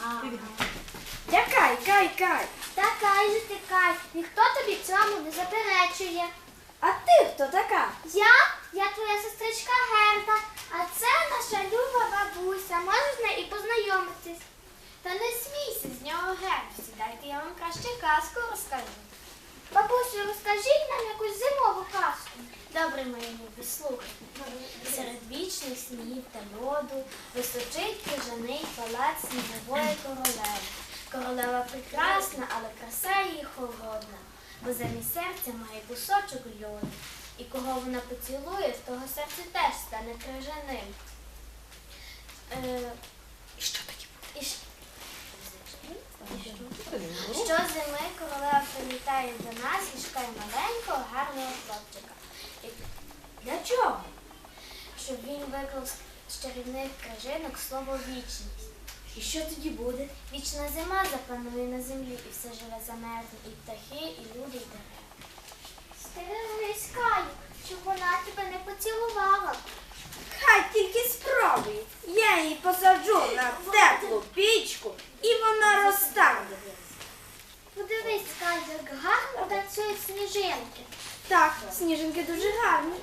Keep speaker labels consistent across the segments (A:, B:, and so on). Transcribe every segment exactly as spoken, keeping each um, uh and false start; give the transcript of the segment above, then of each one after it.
A: Якай, кай, кай.
B: Та кай же ти кай, ніхто тобі цьому не заперечує.
A: А ти хто така?
B: Я? Я твоя сестричка Герда, а це наша люба бабуся. Можеш з нею і познайомитись. Та не смійся з нього, Герду. Сідайте, я вам краще казку розкажу. Бабусю, розкажіть нам якусь зимову казку. Добре, мої любі, слухайте. Серед вічних снігів та льоду височить крижаний палац снігової королеви. Королева прекрасна, але краса її холодна, бо замість серця має кусочок льоду. І кого вона поцілує, в того серце теж стане крижаним. Е,
A: І що таке буде?
B: і, щ- Щозими королева прилітає до нас і шукає маленького, гарного хлопчика. І
A: Для чого?
B: щоб він виклав з чарівних крижинок слово «вічність».
A: І що тоді буде?
B: Вічна зима запанує на землі, і все живе замерзне, і птахи, і люди, і дерева. Стережись, Каю, щоб вона тебе не поцілувала.
A: Хай тільки спробує. Я її посаджу на теплу пічку і вона розтане.
B: Подивись, Каю, як гарно танцюють сніжинки.
A: Так, сніжинки дуже гарні.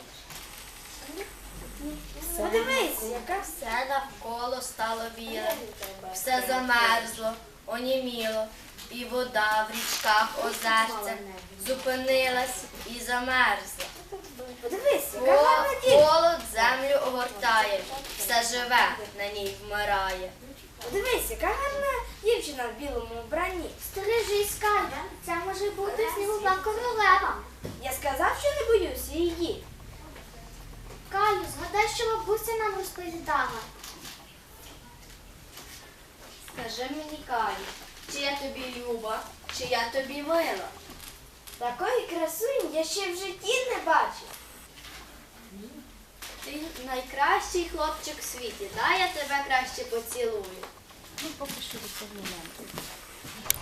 A: Подивись, яка
C: Все навколо стало біле, все замерзло, оніміло, і вода в річках озерця зупинилась і замерзла.
A: Подивись, яка
C: Хо-
A: гарна дівчина.
C: Холод землю огортає, все живе на ній вмирає.
A: Подивись, яка гарна дівчина в білому вбранні.
B: Стережись, Каю, це може бути снігова королева.
A: Я сказав, що не боюся її.
B: Каю, згадай, що бабуся нам розповідала.
C: Скажи мені, Каю, чи я тобі люба, чи я тобі мила?
A: Такої красуні я ще в житті не бачив.
C: Ти найкращий хлопчик в світі, дай я тебе краще поцілую.
D: Ну, поки що до цього моменту.